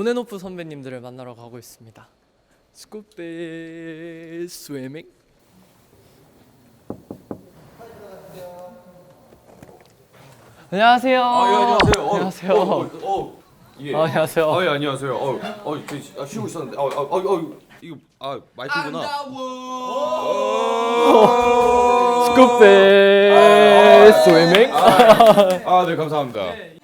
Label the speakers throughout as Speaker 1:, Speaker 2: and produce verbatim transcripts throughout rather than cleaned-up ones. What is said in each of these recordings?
Speaker 1: 온앤오프 선배님들을 만나러 가고 있습니다. 스쿠베 스위밍. 안녕하세요.
Speaker 2: 아, 예, 안녕하세요. 어,
Speaker 1: 안녕하세요.
Speaker 2: 어, 어, 어, 예.
Speaker 1: 아, 안녕하세요.
Speaker 2: 아, 예, 안녕하세요. 어, 어, 저, 아, 쉬고 있었는데. 어, 어, 어, 어, 이거 아, 마이크구나.
Speaker 1: 스쿠베 스위밍.
Speaker 2: 아, 네, 감사합니다.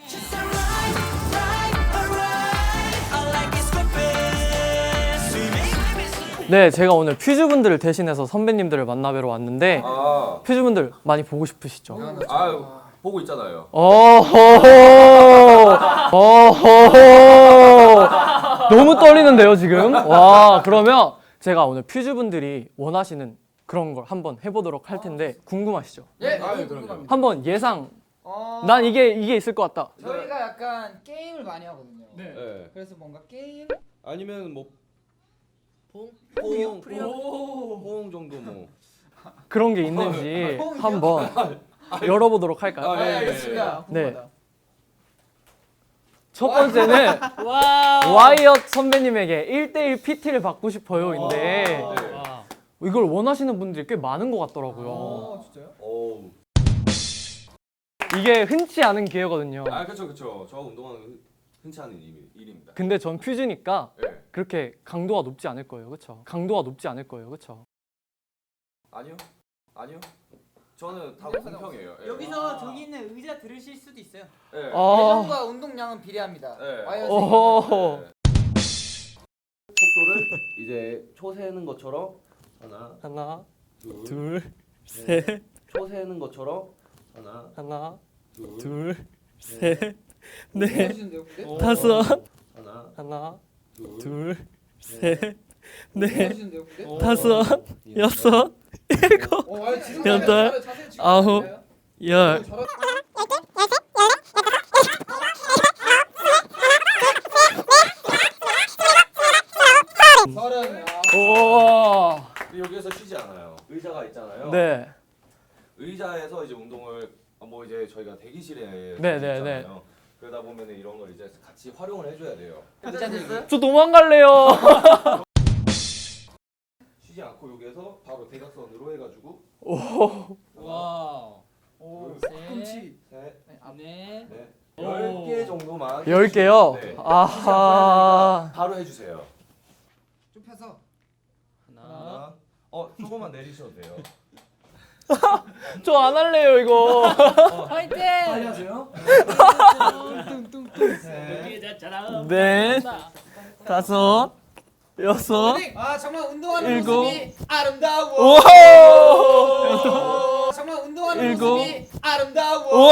Speaker 1: 네, 제가 오늘 퓨즈분들을 대신해서 선배님들을 만나뵈러 왔는데
Speaker 2: 아,
Speaker 1: 퓨즈분들 많이 보고 싶으시죠?
Speaker 2: 아, 보고 있잖아요.
Speaker 1: 어허, 어허, 너무 떨리는데요 지금? 와, 그러면 제가 오늘 퓨즈분들이 원하시는 그런 걸 한번 해보도록 할 텐데 궁금하시죠?
Speaker 3: 예,
Speaker 2: 아, 예,
Speaker 3: 궁금합니다.
Speaker 2: 그럼요.
Speaker 1: 한번 예상.
Speaker 3: 어,
Speaker 1: 난 이게 이게 있을 것 같다.
Speaker 3: 저희가 약간 게임을 많이 하거든요.
Speaker 1: 네.
Speaker 2: 예.
Speaker 3: 그래서 뭔가 게임
Speaker 2: 아니면 뭐
Speaker 1: 포옹?
Speaker 2: 포옹, 포옹, 포옹 정도 뭐.
Speaker 1: 그런 게 있는지
Speaker 3: 포옹이요?
Speaker 1: 한번 열어보도록 할까요?
Speaker 2: 아, 예, 예, 예.
Speaker 3: 알겠습니다.
Speaker 1: 네.
Speaker 3: 궁금하다.
Speaker 1: 첫 번째는 와이엇 선배님에게 일 대일 피티를 받고 싶어요인데
Speaker 2: 네.
Speaker 1: 이걸 원하시는 분들이 꽤 많은 것 같더라고요.
Speaker 3: 어, 진짜요?
Speaker 2: 오.
Speaker 1: 이게 흔치 않은 기회거든요.
Speaker 2: 아, 그렇죠, 그렇죠. 저 운동하는 흔- 흔치 않은 일, 일입니다.
Speaker 1: 근데 전 퓨즈니까
Speaker 2: 예.
Speaker 1: 그렇게 강도가 높지 않을 거예요, 그렇죠? 강도가 높지 않을 거예요, 그렇죠?
Speaker 2: 아니요, 아니요. 저는 다 공평해요. 예.
Speaker 4: 여기서 저기 있는 의자 들으실 수도 있어요.
Speaker 2: 예.
Speaker 1: 어,
Speaker 3: 예전과 운동량은 비례합니다.
Speaker 2: 네.
Speaker 3: 와이어스.
Speaker 1: 오호.
Speaker 2: 속도를 이제 초 세는 것처럼 하나,
Speaker 1: 하나,
Speaker 2: 둘,
Speaker 1: 둘,
Speaker 2: 셋.
Speaker 1: 셋,
Speaker 2: 초 세는 것처럼 하나,
Speaker 1: 하나,
Speaker 2: 둘,
Speaker 1: 둘,
Speaker 2: 셋,
Speaker 1: 셋, 넷,
Speaker 3: 해주신대요, 근데?
Speaker 1: 다섯,
Speaker 2: 하나,
Speaker 1: 하나,
Speaker 2: 둘,
Speaker 1: 둘, 셋, 넷,
Speaker 3: 해주신대요, 근데?
Speaker 1: 다섯, 여섯, 일곱,
Speaker 3: 어, 아니, 지금
Speaker 1: 여덟,
Speaker 3: 잘해요. 자세히 지금
Speaker 1: 아홉,
Speaker 3: 잘해요.
Speaker 1: 열.
Speaker 3: 어, 잘하- 서른. 아,
Speaker 1: 오,
Speaker 2: 여기에서 쉬지 않아요. 의자가 있잖아요.
Speaker 1: 네,
Speaker 2: 의자에서 이제 운동을 어, 뭐 이제 저희가 대기실에
Speaker 1: 네, 네,
Speaker 2: 있잖아요. 그러다 보면은 이런 걸 이제 같이 활용을 해줘야 돼요.
Speaker 3: 의자 들고요?
Speaker 1: 저 도망갈래요.
Speaker 2: 쉬지 않고 여기에서 바로 대각선으로 해가지고
Speaker 1: 오,
Speaker 4: 와우.
Speaker 3: 오,
Speaker 4: 셋.
Speaker 3: 팔꿈치.
Speaker 2: 셋,
Speaker 4: 네.
Speaker 2: 넷,
Speaker 4: 오.
Speaker 2: 열 개 정도만.
Speaker 1: 열 개요.
Speaker 2: 네.
Speaker 1: 아하.
Speaker 2: 바로 해주세요.
Speaker 3: 좀 펴서.
Speaker 4: 하나.
Speaker 2: 하나. 어, 조금만 내리셔도 돼요.
Speaker 1: 저 안 할래요 이거.
Speaker 4: 화이팅!
Speaker 2: 하세요.
Speaker 4: 여기 자처럼.
Speaker 1: 네, 다섯, 여섯,
Speaker 3: 아, 정말 운동하는
Speaker 1: 일곱.
Speaker 3: 모습이 아름다워.
Speaker 1: 오,
Speaker 3: 어, 정말 운동하는
Speaker 1: 일곱.
Speaker 3: 모습이 아름다워.
Speaker 1: 오.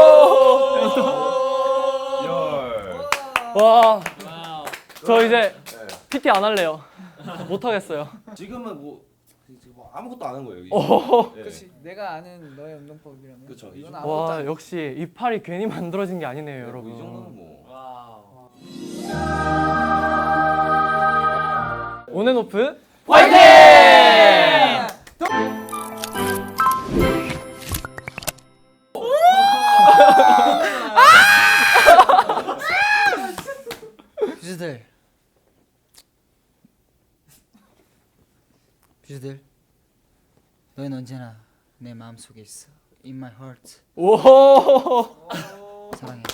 Speaker 2: 열.
Speaker 1: 와,
Speaker 4: 와우.
Speaker 1: 저 이제
Speaker 2: 네.
Speaker 1: 피티 안 할래요. 못 하겠어요.
Speaker 2: 지금은 뭐, 지금 뭐 아무것도 안 한 거예요. 여기.
Speaker 1: 오.
Speaker 2: 네.
Speaker 3: 그렇지. 내가 아는 너의 운동법이라면.
Speaker 2: 그쵸, 이
Speaker 3: 이건
Speaker 2: 정도.
Speaker 3: 아무것도
Speaker 1: 와,
Speaker 3: 아니야.
Speaker 1: 역시 이 팔이 괜히 만들어진 게 아니네요,
Speaker 2: 네,
Speaker 1: 여러분.
Speaker 2: 뭐이 정도는 뭐.
Speaker 4: 와우.
Speaker 1: 온앤오프
Speaker 3: 화이팅! 뷰즈들 뷰즈들 너희는 언제나 내 마음속에 있어. In my heart.
Speaker 1: 오.
Speaker 3: 사랑해.